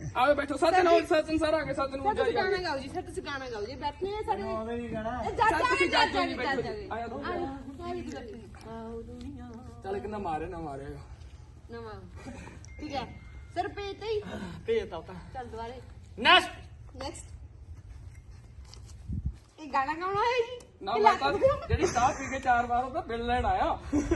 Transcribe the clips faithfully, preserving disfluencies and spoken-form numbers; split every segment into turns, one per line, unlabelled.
ਆਓ ਬੈਠੋ ਸੱਜਣ ਹੋ ਸੱਜਣ ਸਰ ਆ ਗਏ ਸੱਜਣ ਨੂੰ
ਤੁਸੀਂ ਗਾਣਾ ਗਾਓ ਜੀ ਸਰ ਤੁਸੀਂ ਗਾਣਾ ਗਾਓ ਜੀ ਬੈਠੇ ਆ ਸਾਡੇ
ਆਉਂਦੇ ਨਹੀਂ ਗਾਣਾ
ਜੱਜ
ਤੁਸੀਂ
ਆ
ਜੱਜ ਨਹੀਂ ਬੈਠੋ
ਜੱਜ
ਆਇਆ ਤੂੰ ਚੱਲ ਕਿੰਨਾ ਮਾਰੇ ਨਾ ਮਾਰੇ
ਨਵਾਂ ਠੀਕ ਹੈ ਸਰ ਪੇ ਤੇ ਹੀ
ਭੇਜਤਾ ਉਤਾ
ਚੱਲ ਦੁਬਾਰੇ
ਨੈਕਸਟ
ਨੈਕਸਟ ਇਹ ਗਾਣਾ ਗਾਉਣਾ ਹੈ ਜੀ
ਨਾ ਮੈਂ ਤਾਂ ਜਿਹੜੀ ਚਾਹ ਪੀ ਕੇ ਚਾਰ ਵਾਰ ਉਹਦਾ ਬਿੱਲ ਲੈਣ ਆਇਆ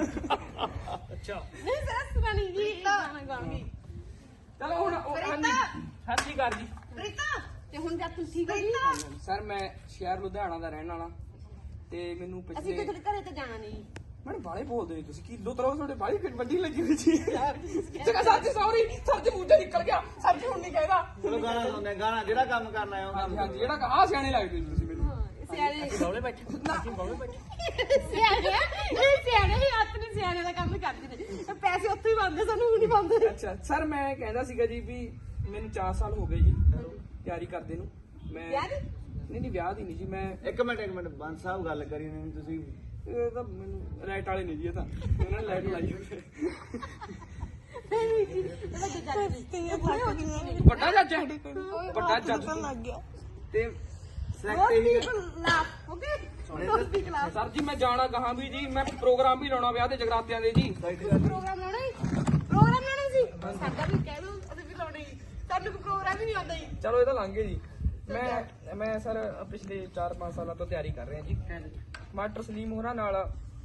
ਅੱਛਾ
ਨਹੀਂ ਸਰ ਸੁਣਾਣੀ ਜੀ ਗਾਣਾ ਗਾਉਣੀ
ਚਲੋ ਹੁਣ ਸਤਿ ਸ਼੍ਰੀ ਅਕਾਲ ਜੀ
ਪ੍ਰੀਤਾ ਤੇ ਹੁਣ ਜਦ ਤੂੰ ਠੀਕ ਹੋ ਜੀ
ਸਰ ਮੈਂ ਸ਼ਹਿਰ ਲੁਧਿਆਣਾ ਦਾ ਰਹਿਣ ਵਾਲਾ ਤੇ ਮੈਨੂੰ
ਅਸੀਂ
ਪਿਛਲੇ
ਤੇ ਤੁਹਾਡੇ ਘਰੇ ਤੇ ਜਾਣਾ ਨਹੀਂ
ਮੈਨੂੰ ਬਾਲੇ ਬੋਲਦੇ ਤੁਸੀਂ ਕਿਲੋ ਤਰ੍ਹਾਂ ਤੁਹਾਡੇ ਬਾਲੀ ਵੱਡੀ ਲੱਗੀ ਹੋਈ ਸੀ ਜਗਾ ਸੱਚ ਸੌਰੀ ਸੱਚ ਮੂੰਹ ਨਿਕਲ ਗਿਆ ਸੱਚ ਹੁਣ ਨਹੀਂ ਕਹਿਦਾ
ਚਲੋ ਗਾਣਾ ਸੁਣਨੇ ਗਾਣਾ ਜਿਹੜਾ ਕੰਮ ਕਰਨਾ ਹੈ ਉਹ
ਹਾਂਜੀ ਹਾਂਜੀ ਜਿਹੜਾ ਕਹਾ ਸਿਆਣੇ ਲੱਗਦੇ ਜੀ ਤੁਸੀਂ ਮੈਨੂੰ
ਸਿਆਣੇ
ਬੌਲੇ ਬੈਠੇ ਅਸੀਂ ਬੌਲੇ ਬੈਠੇ
ਸਿਆਣੇ ਇਹ ਸਿਆਣੇ ਹੀ ਹੱਥ ਨੇ ਸਿਆਣੇ ਦਾ ਕੰਮ ਕਰਦੇ ਨੇ ਪੈਸੇ ਉੱਥੇ ਹੀ ਬੰਦੇ ਸਾਨੂੰ ਹੁਣ ਨਹੀਂ ਬੰਦੇ
ਅੱਛਾ ਸਰ ਮੈਂ ਕਹਿੰਦਾ ਸੀਗਾ ਜੀ ਵੀ ਮੈਨੂੰ ਚਾਰ ਸਾਲ ਹੋ ਗਏ ਜੀ ਤਿਆਰੀ ਕਰਦੇ ਨੂੰ ਮੈਂ
ਵਿਆਹ ਦੀ?
ਨਹੀਂ ਨਹੀਂ ਵਿਆਹ ਦੀ ਨਹੀਂ ਜੀ ਮੈਂ
ਇੱਕ ਮਿੰਟ ਇੱਕ ਮਿੰਟ ਬੰਦ ਸਾਹਿਬ ਗੱਲ ਕਰੀ ਨਹੀਂ ਤੁਸੀਂ
ਇਹ ਤਾਂ ਮੈਨੂੰ ਲਾਈਟ ਵਾਲੇ ਨਹੀਂ ਜੀ ਇਹ ਤਾਂ ਉਹਨਾਂ ਨੇ ਲਾਈਟ ਲਾਈ ਹੋਈ ਹੈ
ਨਹੀਂ ਜੀ ਵੱਡੇ ਜੱਜ ਨੇ
ਵੱਡਾ ਜੱਜ ਹੈ ਵੱਡਾ ਜੱਜ
ਲੱਗ ਗਿਆ
ਤੇ
ਸਿਲੈਕਟ ਹੀ
ਓਕੇ ਦੋਸਤੀ ਕਲਾਸ
ਸਰ ਜੀ ਮੈਂ ਜਾਣਾ ਕਹਾਂ ਵੀ ਜੀ ਮੈਂ ਪ੍ਰੋਗਰਾਮ ਵੀ ਲਾਉਣਾ ਵਿਆਹ ਦੇ ਜਗਰਾਤਿਆਂ ਦੇ ਜੀ
ਪ੍ਰੋਗਰਾਮ ਲਾਉਣਾ ਹੈ ਪ੍ਰੋਗਰਾਮ ਲਾਉਣਾ ਸੀ ਸਾਡਾ ਵੀ ਕਹਿ ਦੋ ਅਸੀਂ ਵੀ ਲਾਉਣਾ ਹੀ ਸਾਨੂੰ ਕੋਈ ਪ੍ਰੋਗਰਾਮ ਹੀ ਨਹੀਂ ਆਉਂਦਾ ਜੀ
ਚਲੋ ਇਹ ਤਾਂ ਲੰਘ ਗਏ ਜੀ ਮੈਂ ਮੈਂ ਸਰ ਪਿਛਲੇ ਚਾਰ ਪੰਜ ਸਾਲਾਂ ਤੋਂ ਤਿਆਰੀ ਕਰ ਰਿਹਾ ਜੀ ਮਾਸਟਰ ਸਲੀਮ ਹੋਰਾਂ ਨਾਲ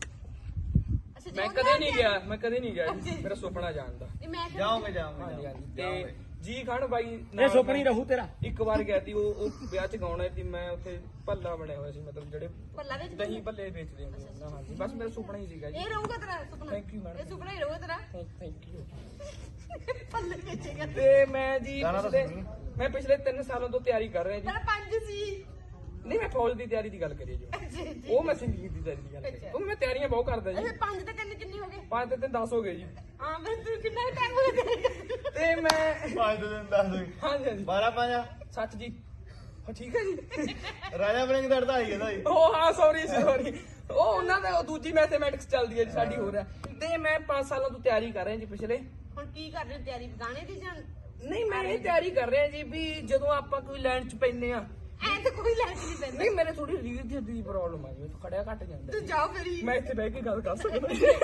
ਅੱਛਾ
ਮੈਂ ਕਦੇ ਨਹੀਂ ਗਿਆ ਮੈਂ ਕਦੇ ਨਹੀਂ ਗਿਆ ਜੀ ਮੇਰਾ ਸੁਪਨਾ ਜਾਣ ਦਾ
ਮੈਂ
ਜਾਓਗੇ ਜਾਓਗੇ
ਹਾਂਜੀ ਹਾਂਜੀ ਤੇ ਜੀ ਖਾਨ ਬਾਈ
ਇਹ ਸੁਪਨਾ ਹੀ ਰਹੂ ਤੇਰਾ
ਇੱਕ ਵਾਰ ਗਿਆ ਸੀ ਉਹ ਉਹ ਵਿਆਹ ਚ ਗਾਉਣਾ ਸੀ ਮੈਂ ਉੱਥੇ ਭੱਲਾ ਬਣਿਆ ਹੋਇਆ ਸੀ ਮਤਲਬ ਜਿਹੜੇ
ਪੱਲਾ ਵਿੱਚ
ਦਹੀਂ ਭੱਲੇ ਵੇਚਦੇ ਹੁੰਦੇ ਨਾ ਹਾਂਜੀ ਬਸ ਮੇਰਾ ਸੁਪਨਾ ਹੀ ਸੀਗਾ ਜੀ
ਇਹ ਰਹੂਗਾ ਤੇਰਾ ਸੁਪਨਾ
Thank you, madam.
ਇਹ ਸੁਪਨਾ ਹੀ ਰਹੂਗਾ ਤੇਰਾ
ਥੈਂਕ ਯੂ
ਪੱਲੇ ਵੇਚੇਗਾ
ਤੇ ਮੈਂ ਜੀ
ਗਾਣਾ ਤਾਂ
ਪਿਛਲੇ
ਸੁਣੀ।
ਮੈਂ ਪਿਛਲੇ ਤਿੰਨ ਸਾਲਾਂ ਤੋਂ ਤਿਆਰੀ ਕਰ ਰਿਹਾ ਜੀ
ਤੇਰਾ ਪੰਜ ਸੀ
ਨਹੀਂ ਮੈਂ ਫੌਜ ਦੀ ਤਿਆਰੀ ਦੀ ਗੱਲ ਕਰੀ ਜੀ ਉਹ ਮੈਂ ਸੰਗੀਤ ਦੀ ਤਿਆਰੀ ਦੀ ਗੱਲ ਕਰੀ ਉਹ ਮੈਂ ਤਿਆਰੀਆਂ ਬਹੁਤ ਕਰਦਾ ਜੀ
ਅੱਛਾ ਪੰਜ ਤੇ ਤਿੰਨ ਕਿੰਨੇ ਹੋ ਗਏ
ਪੰਜ ਤੇ ਤਿੰਨ ਦਸ ਹੋ ਗਏ ਜੀ
ਹਾਂ ਮੈਂ ਤੂੰ ਕਿੰਨਾ ਟਾਈਮ ਹੋ ਗਿਆ
ਤੇ ਮੈਂ
ਪੰਜ ਦਿਨ ਦੱਸ ਦੋ
ਹਾਂਜੀ ਹਾਂਜੀ
ਬਾਰਾਂ ਪੰਜਾ
ਸੱਚ ਜੀ ਹਾਂ ਠੀਕ ਹੈ ਜੀ
ਰਾਜਾ ਬ੍ਰਿੰਗ ਦਾ ਅੜਦਾ ਹੀ ਇਹਦਾ ਹੀ
ਉਹ ਹਾਂ ਸੌਰੀ ਸੌਰੀ ਉਹ ਉਹਨਾਂ ਦਾ ਉਹ ਦੂਜੀ ਮੈਥਮੈਟਿਕਸ ਚੱਲਦੀ ਹੈ ਜੀ ਸਾਡੀ ਹੋ ਰਿਹਾ ਤੇ ਮੈਂ ਪੰਜ ਸਾਲਾਂ ਤੋਂ ਤਿਆਰੀ ਕਰ ਰਿਹਾ ਜੀ ਪਿਛਲੇ
ਹੁਣ ਕੀ ਕਰ ਰਹੇ ਹੋ ਤਿਆਰੀ ਗਾਣੇ ਦੀ ਜਾਂ
ਨਹੀਂ ਮੈਂ ਇਹ ਤਿਆਰੀ ਕਰ ਰਿਹਾ ਜੀ ਵੀ ਜਦੋਂ ਆਪਾਂ ਕੋਈ ਲਾਈਨ ਚ ਪੈਨੇ ਆ
ਐ ਤਾਂ ਕੋਈ ਲੈਣ ਨਹੀਂ ਪੈਂਦਾ
ਨਹੀਂ ਮੇਰੇ ਥੋੜੀ ਰੀੜ ਦੀ ਹੱਡੀ ਦੀ ਪ੍ਰੋਬਲਮ ਆ ਜੀ ਮੈਨੂੰ ਖੜਿਆ ਘੱਟ ਜਾਂਦਾ
ਤੂੰ ਜਾਓ ਫਿਰ ਹੀ
ਮੈਂ ਇੱਥੇ ਬਹਿ ਕੇ ਗੱਲ ਕਰ ਸਕਦਾ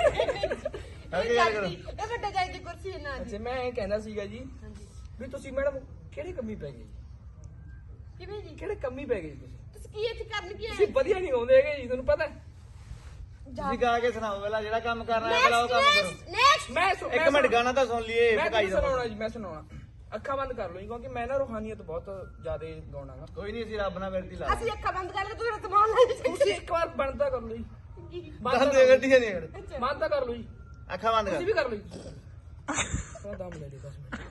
ਅੱਗੇ ਗੱਲ ਕਰੋ
ਇਹ ਵੱਡਾ ਜਾਈ ਦੀ ਕੁਰਸੀ ਹੈ ਨਾ
ਅੱਛਾ ਮੈਂ ਇਹ ਕਹਿੰਦਾ ਸੀਗਾ ਜੀ
ਹਾਂਜੀ
ਵੀ ਤੁਸੀਂ ਮੈਡਮ ਕਿਹੜੀ ਕਮੀ ਪੈ ਗਈ
ਕਿਵੇਂ ਜੀ
ਕਿਹੜੇ ਕਮੀ ਪੈ ਗਈ ਤੁਸੀਂ
ਤੁਸੀਂ ਕੀ ਇੱਥੇ ਕਰਨ ਕੀ
ਤੁਸੀਂ
ਆਏ
ਵਧੀਆ ਨਹੀਂ ਆਉਂਦੇ ਹੈਗੇ ਜੀ ਤੁਹਾਨੂੰ ਪਤਾ
ਤੁਸੀਂ ਗਾ ਕੇ ਸੁਣਾਓ ਪਹਿਲਾਂ ਜਿਹੜਾ ਕੰਮ ਕਰਨਾ ਹੈ ਪਹਿਲਾਂ ਉਹ ਕੰਮ ਕਰੋ
ਨੈਕਸਟ
ਮੈਂ ਸੁ-
ਇੱਕ
ਮੈਂ
ਮਿੰਟ
ਸੁ-
ਗਾਣਾ ਤਾਂ ਸੁਣ ਲਈਏ
ਮੈਂ
ਭਕਾਈ
ਤੁਹਾਨੂੰ
ਦਾ
ਸੁਣਾਉਣਾ ਜੀ ਮੈਂ ਸੁਣਾਉਣਾ ਅੱਖਾਂ ਬੰਦ ਕਰ ਲਓ ਜੀ ਕਿਉਂਕਿ ਮੈਂ ਨਾ ਰੂਹਾਨੀਅਤ ਬਹੁਤ ਜ਼ਿਆਦਾ ਗਾਉਣਾਗਾ
ਕੋਈ ਨਹੀਂ ਅਸੀਂ ਰੱਬ ਨਾਲ ਵਿਰਤੀ ਲਾ
ਅਸੀਂ ਅੱਖਾਂ ਬੰਦ ਕਰਕੇ ਤੂੰ ਮੇਰਾ ਸਮਾਨ ਲੈ
ਤੁਸੀਂ ਇੱਕ ਵਾਰ ਬੰਦ ਕਰ ਲਓ ਜੀ ਬੰਦ
ਦੰਦ
ਤਾਂ ਕਰ
ਗੱਡੀਆਂ ਨਹੀਂ ਖੜੇ
ਲਓ। ਬੰਦ ਤਾਂ ਕਰ ਲਓ ਜੀ
ਅੱਖਾਂ ਬੰਦ
ਤੁਸੀਂ
ਕਰ
ਵੀ ਕਰ ਲਓ ਜੀ ਥੋੜਾ ਦਮ ਲੈ ਲਈ ਦਸ ਮਿੰਟ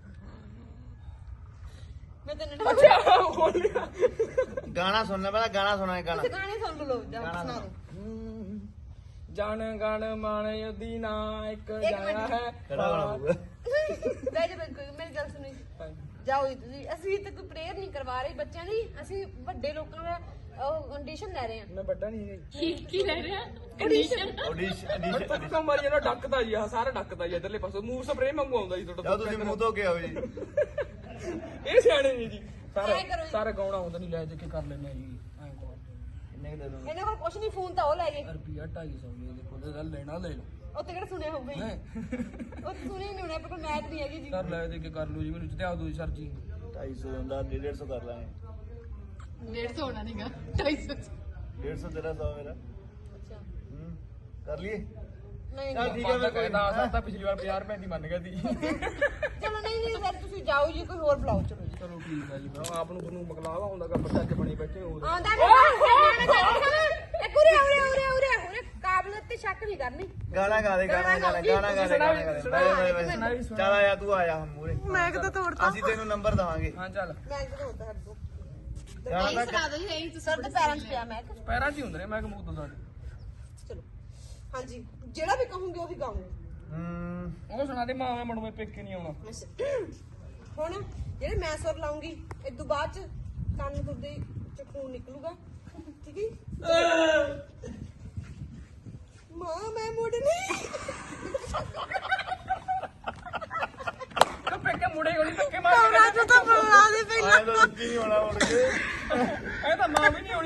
ਮੈਂ ਤੈਨੂੰ
ਅੱਛਾ ਹੋ ਲਿਆ
ਗਾਣਾ ਸੁਣਨਾ ਪਹਿਲਾਂ ਗਾਣਾ ਸੁਣਾ ਗਾਣਾ
ਤੁਸੀਂ ਗਾਣੇ ਸੁਣ ਲਓ ਜਾ
ਗਾਣਾ
ਸੁਣਾ
ਸੁਣਾਓ।
ਦਿਓ
ਜਨ ਗਣ ਮਨ ਯਦੀ ਨਾ ਇੱਕ ਜਾਇਆ ਹੈ
ਕਿਹੜਾ ਗਾਣਾ ਹੋਊਗਾ
ਬੈ ਜਾ ਬੈ ਮੇਰੀ ਗੱਲ ਸੁਣੀ ਜਾਓ ਜੀ ਤੁਸੀਂ ਅਸੀਂ ਤਾਂ ਕੋਈ ਪ੍ਰੇਅਰ ਨਹੀਂ ਕਰਵਾ ਰਹੇ ਬੱਚਿਆਂ ਦੀ ਅਸੀਂ ਵੱਡੇ ਲੋਕਾਂ ਦਾ ਉਹ ਕੰਡੀਸ਼ਨ ਲੈ ਰਹੇ ਹਾਂ
ਮੈਂ ਵੱਡਾ ਨਹੀਂ ਹੈ
ਕੀ ਕੀ ਲੈ ਰਹੇ ਹਾਂ ਕੰਡੀਸ਼ਨ
ਆਡੀਸ਼ਨ
ਮੈਂ
ਆਡੀਸ਼ਨ
ਤੁੱਕਾ ਮਾਰੀ ਜਾਂਦਾ ਡੱਕਦਾ ਜੀ ਆ ਸਾਰਾ ਡੱਕਦਾ ਜੀ ਇਧਰਲੇ ਪਾਸੋਂ ਮੂੰਹ ਸਪਰੇ ਵਾਂਗੂ ਆਉਂਦਾ ਜੀ
ਜਾ
ਤੁਹਾਡਾ
ਤੁਸੀਂ ਮੂੰਹ ਧੋ ਕੇ ਆਓ ਜੀ
ਇਹ ਸਿਆਣੇ ਨਹੀਂ ਜੀ ਸਾਰਾ
ਐਂ ਕਰੋ ਜੀ।
ਸਾਰਾ ਗਾਉਣਾ ਹੁੰਦਾ ਨਹੀਂ ਲੈ ਦੇ ਕੇ ਕਰ ਲੈਣੇ ਜੀ ਐਂ ਕੋਲ
ਕਿੰਨੇ ਕੁ ਦੇ ਦੋ
ਇਹਨਾਂ ਕੋਲ ਕੁਛ ਨਹੀਂ ਫੋਨ ਤਾਂ ਉਹ ਲੈ ਗਏ
ਰੁਪਿਆ ਢਾਈ ਸੌ ਜੀ ਦੇਖੋ ਤੇ ਗੱਲ ਲੈਣਾ ਲੈ ਲਓ
ਉੱਥੇ ਕਿਹੜਾ ਸੁਣਿਆ ਹੋਊਗਾ ਜੀ
ਹੈਂ।
ਉਹ ਤਾਂ ਸੁਣਿਆ ਹੀ ਨਹੀਂ ਹੋਣਾ ਪਰ ਕੋਈ ਮੈਚ ਨਹੀਂ ਹੈਗੀ ਜੀ
ਸਰ ਲੈ ਦੇ ਕੇ ਕਰ ਲਓ ਜੀ ਮੈਨੂੰ ਜਿੱਤੇ ਆ ਦੋ ਜੀ ਸਰ ਜੀ
ਢਾਈ ਸੌ ਹੁੰਦਾ ਡੇਢ ਸੌ ਕਰ ਲਾਂਗੇ
ਡੇਢ ਸੌ ਹੋਣਾ ਨਹੀਂਗਾ ਢਾਈ ਸੌ
ਡੇਢ ਸੌ ਤੇਰਾ ਸੌ ਮੇਰਾ
ਅੱਛਾ
ਹੂੰ ਕਰ ਲਈਏ
ਨਹੀਂ
ਚੱਲ
ਨਹੀਂ
ਠੀਕ ਹੈ ਮੈਂ ਕੋਈ
ਕਹਿੰਦਾ ਸਰ ਤਾਂ ਪਿਛਲੀ ਵਾਰ ਪੰਜਾਹ ਰੁਪਏ ਦੀ ਮੰਨ ਗਿਆ ਸੀ
ਚਲੋ ਨਹੀਂ ਨਹੀਂ ਫਿਰ ਤੁਸੀਂ ਜਾਓ ਜੀ ਕੋਈ ਹੋਰ ਬੁਲਾਓ ਚਲੋ ਜੀ
ਚਲੋ ਠੀਕ ਹੈ ਜੀ ਫਿਰ ਆਪ ਨੂੰ ਤੁਹਾਨੂੰ ਮਕਲਾਵਾ ਹੁੰਦਾ ਕਿ ਬੱਚਾ ਕੇ ਬਣੀ ਬੈਠੇ ਹੋ
ਆਉਂਦਾ ਨਹੀਂ ਇੱਕ ਉਰੇ ਉਰੇ ਉਰੇ ਉਰੇ ਉਰੇ ਕਾਬਲੀਅਤ ਤੇ ਸ਼ੱਕ ਨਹੀਂ ਕਰਨੀ
ਗਾਣਾ ਗਾ ਦੇ ਗਾਣਾ ਗਾ ਦੇ ਗਾਣਾ ਗਾ ਦੇ ਗਾਣਾ ਗਾ ਦੇ ਬਾਏ ਬਾਏ ਬਾਏ ਚੱਲ ਆਇਆ ਤੂੰ ਆਇਆ ਹਮ ਮੂਰੇ
ਮੈਂ ਕਿਤੇ ਤੋੜਤਾ
ਅਸੀਂ ਤੈਨੂੰ ਨੰਬਰ ਦਵਾਂਗੇ
ਹਾਂ ਚੱਲ
ਮੈਂ ਕਿਤੇ ਤੋੜਤਾ ਹੱਦ ਤੋਂ
ਗਾਣਾ ਤਾਂ
ਦੋ ਜੀ ਇਹੀ ਤੁਸੀਂ ਸਰ ਦੇ ਪੈਰਾਂ 'ਚ ਪਿਆ ਮੈਂ ਕਿਹਾ।
ਪੈਰਾਂ 'ਚ ਹੀ ਹੁੰਦੇ ਨੇ ਮੈਂ ਕਮੂਦ ਤੁਹਾਡੇ
ਚਲੋ ਹਾਂਜੀ ਜਿਹੜਾ ਵੀ ਕਹੂੰਗੀ ਉਹੀ ਗਾਉਂਗੀ
ਹੂੰ
ਉਹ ਸੁਣਾ ਦੇ ਮਾਵੇਂ ਮੜਵੇਂ ਪੇਕੇ ਨਹੀਂ ਆਉਣਾ
ਹੁਣ ਜਿਹੜੇ ਮੈਂ ਸੁਰ ਲਾਉਂਗੀ ਇਸ ਤੋਂ ਬਾਅਦ ਚ ਕੰਨ ਤੁਹਾਡੇ ਚ ਖੂਨ ਨਿਕਲੂਗਾ ਠੀਕ ਹੈ ਮਾਂ ਮੈਂ ਮੁੜਨੀ
ਪੇਕੇ ਮੁੜੇ ਹੋਣੀ ਧੱਕੇ ਮਾਰ ਕੇ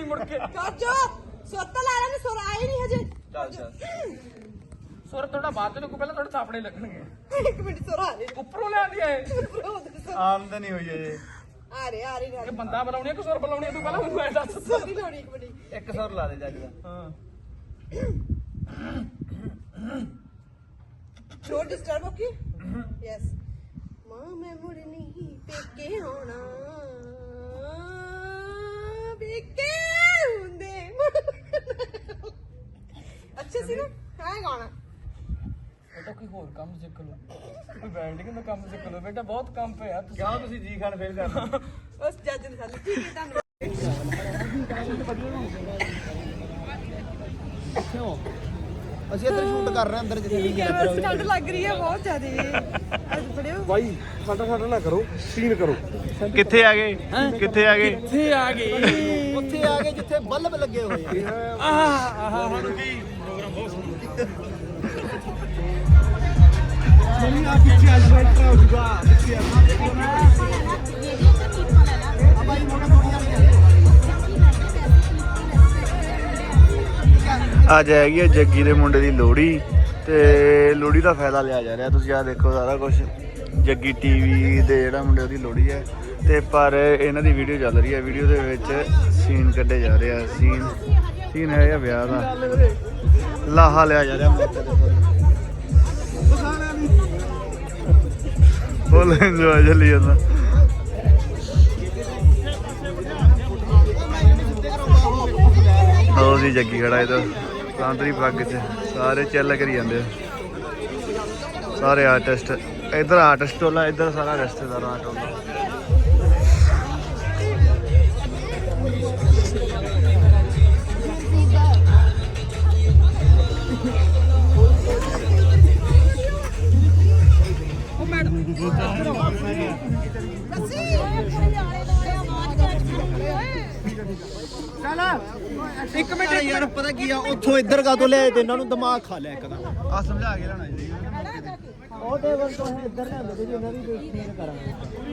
ਮੁੜ ਕੇ
ਕਰ ਜੋ ਸੁੱਤ ਲਾ ਲੈਣ ਸੁਰ ਆਏ ਨਹੀਂ ਹਜੇ
ਚੱਲ ਚੱਲ
ਸੁਰ ਥੋੜਾ ਬਾਅਦ ਚ ਲੱਗੂ ਪਹਿਲਾਂ ਥੋੜੇ ਥਾਪੜੇ ਲੱਗਣਗੇ
ਇੱਕ ਮਿੰਟ ਸੁਰ ਆ ਰਹੇ
ਉੱਪਰੋਂ ਲਿਆਂਦੀ ਐ
ਆਮਦਨੀ ਹੋਈ ਜੇ
ਆ ਰਹੇ ਆ ਰਹੇ
ਇਹ ਬੰਦਾ ਬੁਲਾਉਣੀ ਕਿ ਸੁਰ ਬੁਲਾਉਣੀ ਤੂੰ ਪਹਿਲਾਂ ਮੈਨੂੰ ਐ ਦੱਸ
ਸੋਰੀ ਲੋੜੀ ਇੱਕ ਮਿੰਟ
ਇੱਕ ਸੁਰ ਲਾ ਦੇ ਜੱਗ ਦਾ
ਹਾਂ
ਥ੍ਰੋਟ ਡਿਸਟਰਬ ਹੋ ਗਈ ਯੈਸ ਮਾਂ ਮੈਂ ਮੁੜ ਨਹੀਂ ਪੇਕੇ ਹੋਣਾ ਪੇਕੇ ਹੁੰਦੇ ਅੱਛਾ ਸੀ ਨਾ ਹਾਂ ਗਾਣਾ
ਬੇਟਾ ਕੋਈ ਹੋਰ ਕੰਮ ਸਿੱਖ ਲਓ ਕੋਈ ਵੈਲਡਿੰਗ ਦਾ ਕੰਮ ਸਿੱਖ ਲਓ ਬੇਟਾ ਬਹੁਤ ਕੰਮ ਪਿਆ ਤੁਸੀਂ
ਕਿਉਂ ਤੁਸੀਂ ਜੀ ਖਾਨ ਫੇਲ ਕਰਨਾ
ਉਸ ਜੱਜ ਨੇ ਸਾਨੂੰ ਠੀਕ ਹੈ ਤੁਹਾਨੂੰ
ਅਸੀਂ ਇੱਧਰ ਸ਼ੂਟ ਕਰ ਰਹੇ ਹਾਂ ਅੰਦਰ ਜਿੱਥੇ ਵੀ
ਕੈਮਰਾ ਸਟੈਂਡ ਲੱਗ ਰਹੀ ਹੈ ਬਹੁਤ ਜ਼ਿਆਦਾ ਅੱਜ ਫੜਿਓ
ਭਾਈ ਸਾਡਾ ਸਾਡਾ ਨਾ ਕਰੋ ਸੀਨ ਕਰੋ
ਕਿੱਥੇ ਆ ਗਏ ਕਿੱਥੇ ਆ ਗਏ
ਕਿੱਥੇ ਆ ਗਏ
ਉੱਥੇ ਆ ਕੇ ਜਿੱਥੇ ਬੱਲਬ ਲੱਗੇ ਹੋਏ ਆ
ਆਹ ਆਹ ਹੁਣ ਕੀ
ਨਹੀਂ ਆ ਪਿੱਛੇ ਅੱਜ ਬੈਠਾ ਹੋ ਜੂਗਾ ਪਿੱਛੇ
ਅੱਜ ਹੈਗੀ ਹੈ ਜੱਗੀ ਦੇ ਮੁੰਡੇ ਦੀ ਲੋਹੜੀ ਤੇ ਲੋਹੜੀ ਦਾ ਫਾਇਦਾ ਲਿਆ ਜਾ ਰਿਹਾ ਤੁਸੀਂ ਆ ਦੇਖੋ ਸਾਰਾ ਕੁਝ ਜੱਗੀ ਟੀਵੀ ਦੇ ਜਿਹੜਾ ਮੁੰਡੇ ਉਹਦੀ ਲੋਹੜੀ ਹੈ ਤੇ ਪਰ ਇਹਨਾਂ ਦੀ ਵੀਡੀਓ ਚੱਲ ਰਹੀ ਹੈ ਵੀਡੀਓ ਦੇ ਵਿੱਚ ਸੀਨ ਕੱਢੇ ਜਾ ਰਹੇ ਆ ਸੀਨ ਸੀਨ ਹੈ ਇਹ ਵਿਆਹ ਦਾ ਲਾਹਾ ਲਿਆ ਜਾ ਰਿਹਾ ਮੌਕੇ ਤੇ ਫੁੱਲ ਇੰਜੋਏ ਚੱਲੀ ਜਾਂਦਾ ਉਹ ਸੀ ਜੱਗੀ ਖੜਾ ਇਹਦਾ ਸਾਂਤਰੀ ਪੱਗ 'ਚ ਸਾਰੇ ਚੱਲ ਕਰੀ ਜਾਂਦੇ ਆ ਸਾਰੇ ਆਰਟਿਸਟ ਇੱਧਰ ਆਰਟਿਸਟ ਟੋਲਾ ਇੱਧਰ ਸਾਰਾ ਰਿਸ਼ਤੇਦਾਰਾਂ ਦਾ ਟੋਲਾ
ਇੱਕ ਮਿੰਟ ਯਾਰ ਪਤਾ ਕੀ ਆ ਉੱਥੋਂ ਇੱਧਰ ਕਾ ਤੋਂ ਲਿਆਏ ਤੇ ਇਹਨਾਂ ਨੂੰ ਦਿਮਾਗ ਖਾ ਲਿਆ ਇੱਕ ਦਾ
ਆ ਸਮਝਾ ਕੇ ਲੈਣਾ ਜੀ
ਉਹ ਟੇਬਲ ਤੋਂ ਇੱਧਰ ਲਿਆਂਦੇ ਤੇ ਉਹਨਾਂ ਦੀ ਸੀਨ ਕਰਾਂਗੇ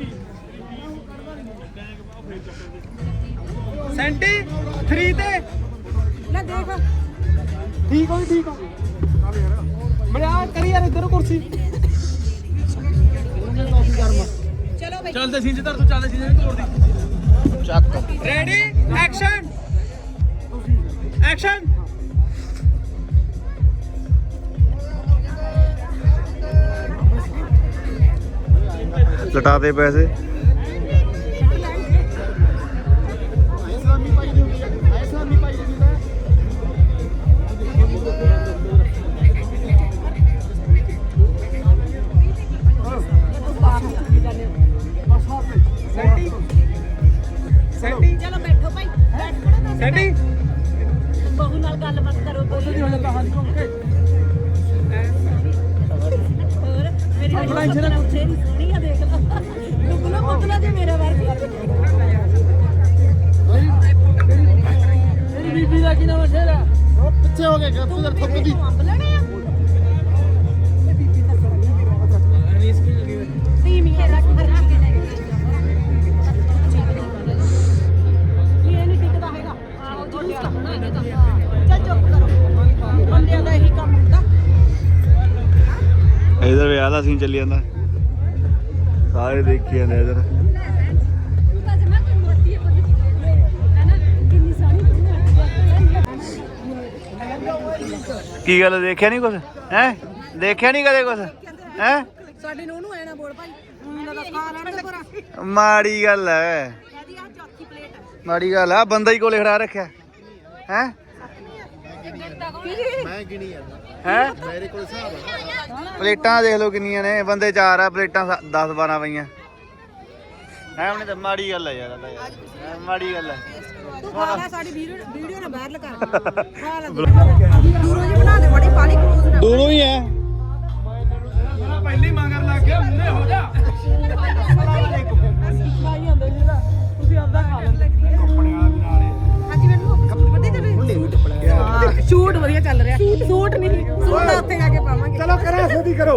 ਸੈਂਟੀ ਥ੍ਰੀ ਤੇ
ਲੈ ਦੇਖ
ਠੀਕ ਹੋ ਠੀਕ ਹੋ ਮੜਿਆ ਕਰੀ ਯਾਰ ਇੱਧਰ ਕੁਰਸੀ
ਚਲੋ ਬਈ
ਚੱਲਦੇ ਸੀਨ ਜਿੱਧਰ ਤੂੰ ਚੱਲਦੇ ਸੀਨ ਤੋੜ ਦੀ
ਚੱਕ
ਰੈਡੀ ਐਕਸ਼ਨ ਐਕਸ਼ਨ
ਲਟਾ ਦੇ ਪੈਸੇ
ਇਸਲਾਮੀ ਪਾਈ ਦੀ ਹੁੰਦੀ ਹੈ ਇਸਲਾਮੀ ਪਾਈ ਦੀ ਹੁੰਦੀ ਹੈ
ਸੈਂਟੀ ਸੈਂਟੀ
ਚਲੋ ਬੈਠੋ ਭਾਈ ਬੈਠ ਪੜੋ ਨਾ
ਸੈਂਟੀ
ਬਹੂ ਨਾਲ ਗੱਲਬਾਤ ਕਰੋ ਕੋਈ
ਹੁਣ ਕਹਾਣੀ ਘੁੰਮ ਕੇ
ਹੋਰ ਮੇਰੀ ਬਹੂ ਨਾਲ ਉੱਥੇ ਨਹੀਂ ਸੋਹਣੀ ਆ ਦੇਖ ਲਾ ਲੁਕਣਾ ਪੁੱਤਲਾ ਜੇ ਮੇਰਾ ਵਰਗੀ
ਮੇਰੀ ਬੀਬੀ ਦਾ ਕੀ ਨਾਮ ਹੈ ਸ਼ੇਰਾ
ਉਹ ਪਿੱਛੇ ਹੋ ਗਏ ਤੂੰ ਦਰ ਥੱਕ ਦੀ
ਅੰਬ ਲੈਣੇ ਆ
ਅਨੀਸ ਕੀ ਲੱਗੀ ਹੋਈ
ਧੀਮੀ ਕੇ ਰੱਖ ਰੱਖ ਕੇ ਲੈ ਇਹ ਨਹੀਂ ਟਿਕਦਾ ਹੈਗਾ ਆਹੋ ਜਲੂਸ ਕੱਢਣਾ ਇਹਨੇ ਤਾਂ ਚੱਲ ਚੁੱਪ ਕਰੋ ਬੰਦਿਆਂ ਦਾ ਇਹੀ ਕੰਮ ਹੁੰਦਾ
ਇਧਰ ਵਿਆਹ ਦਾ ਸੀਨ ਚੱਲੀ ਜਾਂਦਾ ਸਾਰੇ ਦੇਖੀ ਜਾਂਦੇ ਇਧਰ ਕੀ ਗੱਲ ਦੇਖਿਆ ਨਹੀਂ ਕੁਛ ਹੈ ਦੇਖਿਆ ਨਹੀਂ ਕਦੇ ਕੁਛ ਹੈ
ਸਾਡੇ ਨੂੰ ਉਹਨੂੰ ਐ ਨਾ ਬੋਲ ਭਾਈ ਉਹਨਾਂ ਦਾ ਖਾ ਲੈਣ ਪਰਾ
ਮਾੜੀ ਗੱਲ ਹੈ
ਕਹਿੰਦੀ ਆ ਚੌਥੀ ਪਲੇਟ
ਮਾੜੀ ਗੱਲ ਆ ਬੰਦਾ ਹੀ ਕੋਲੇ ਖੜਾ ਰੱਖਿਆ ਹੈ
ਮੈਂ ਗਿਣੀ ਜਾਂਦਾ
ਹੈ
ਮੇਰੇ ਕੋਲ ਹਿਸਾਬ ਆ
ਪਲੇਟਾਂ ਦੇਖ ਲਓ ਕਿੰਨੀਆਂ ਨੇ ਬੰਦੇ ਚਾਰ ਆ ਪਲੇਟਾਂ ਦਸ ਬਾਰਾਂ ਪਈਆਂ ਹੈ ਉਹਨੇ ਤਾਂ ਮਾੜੀ ਗੱਲ ਹੈ ਯਾਰ ਇਹ ਤਾਂ ਯਾਰ ਹੈਂ, ਮਾੜੀ ਗੱਲ ਹੈ
ਤੂੰ ਖਾ ਲੈ ਸਾਡੀ ਵੀਡੀਓ ਵੀਡੀਓ ਨਾ ਵਾਇਰਲ ਕਰ ਖਾ ਲੈ ਦੂਰੋਂ ਜੀ ਬਣਾ ਦੇ ਬੜੀ ਪਾਲੀ ਕਲੂਜ਼ ਨਾ
ਦੋਨੋਂ ਹੀ ਹੈ
ਪਹਿਲੀ ਮੰਗਰ ਲੱਗ ਗਿਆ ਮੂਹਰੇ ਹੋ ਜਾ ਖਾਈ ਜਾਂਦੇ ਜੀ ਨਾ ਤੁਸੀਂ ਆਪਦਾ ਖਾ ਲੈਂਦੇ
ਹਾਂਜੀ ਮੈਨੂੰ ਵੱਡੇ ਚੱਲੇ ਸ਼ੂਟ ਵਧੀਆ ਚੱਲ ਰਿਹਾ ਸੂਟ ਨਹੀਂ ਸੂਟ ਉੱਥੇ ਜਾ ਕੇ ਪਾਵਾਂਗੇ
ਚਲੋ ਕਰਾਂ ਸੋਦੀ ਕਰੋ